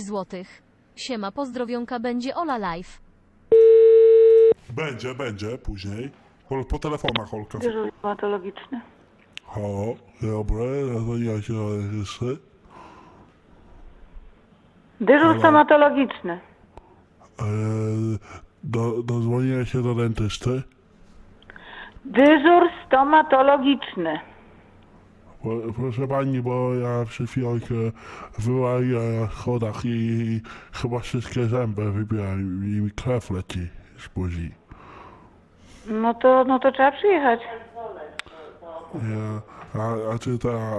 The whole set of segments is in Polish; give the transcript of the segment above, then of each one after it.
złotych. Siema, pozdrowionka, będzie Ola live. Będzie, później. Po telefonach, Olka. Dyżur stomatologiczny. Halo, dobre, ja się jeszcze. Dyżur stomatologiczny. Dozwoniłem się do dentysty. Dyżur stomatologiczny. Proszę pani, bo ja przed chwilą się wyłaję na schodach i chyba wszystkie zęby wybieram i mi krew leci z buzi. No to trzeba przyjechać. A czy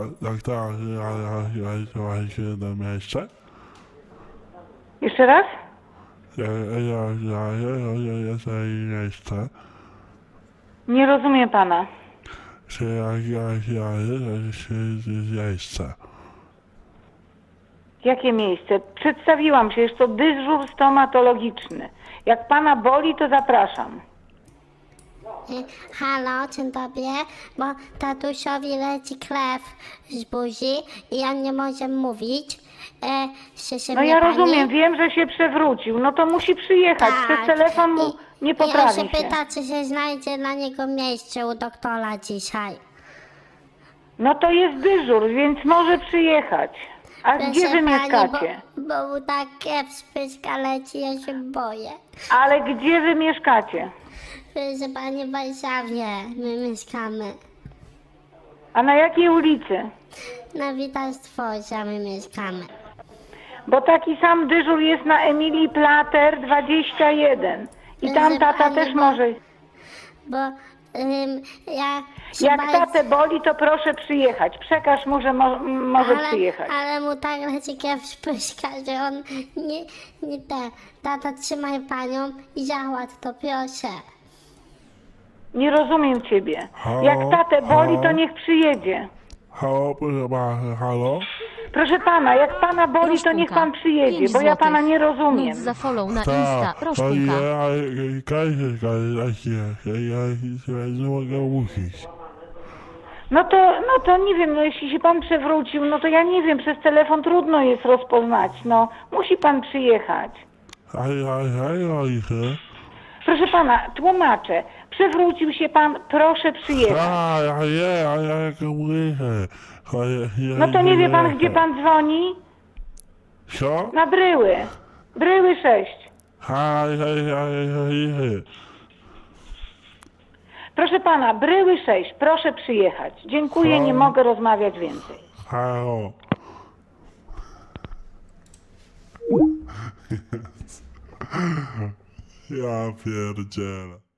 ja się na miejsce? Jeszcze raz? Ja jest miejsce. Nie rozumiem pana. Czy się miejsce? Jakie miejsce? Przedstawiłam się, jest to dyżur stomatologiczny. Jak pana boli, to zapraszam. Halo, dzień dobry, bo tatusiowi leci krew z buzi i on nie może mówić. No ja rozumiem, wiem, że się przewrócił. No to musi przyjechać. Tak. Przez telefon mu nie I on poprawi się się. pyta, czy się znajdzie dla niego miejsce u doktora dzisiaj. No to jest dyżur, więc może przyjechać. A gdzie wy mieszkacie? Bo mu tak krew z pyska leci, ja się boję. Ale gdzie wy mieszkacie? Proszę pani, w Warszawie my mieszkamy. A na jakiej ulicy? Na Witalstworze my mieszkamy. Bo taki sam dyżur jest na Emilii Plater 21. I tam tata też może. Bo ja się Jak bardzo... tatę boli, to proszę przyjechać. Przekaż mu, że może przyjechać. Ale mu tak leci krew z pyska, że on nie te. Tata, trzymaj panią i załatw to, proszę. Nie rozumiem ciebie. Halo? Jak tatę boli, to Halo? niech przyjedzie. Halo, proszę pana, halo? Proszę pana, jak pana boli, to niech pan przyjedzie, 5 bo ja pana złotych. nie rozumiem. Nic za follow na Insta, Roszpunka. Ja nie mogę mówić. No to nie wiem, no jeśli się pan przewrócił, no to ja nie wiem, przez telefon trudno jest rozpoznać, no. Musi pan przyjechać. Proszę pana, tłumaczę. Przewrócił się pan, proszę przyjechać. No to nie wie pan, gdzie pan dzwoni? Co? Na Bryły. Bryły 6. Proszę pana, Bryły 6, proszę przyjechać. Dziękuję, nie mogę rozmawiać więcej. Halo. Ja pierdzielę.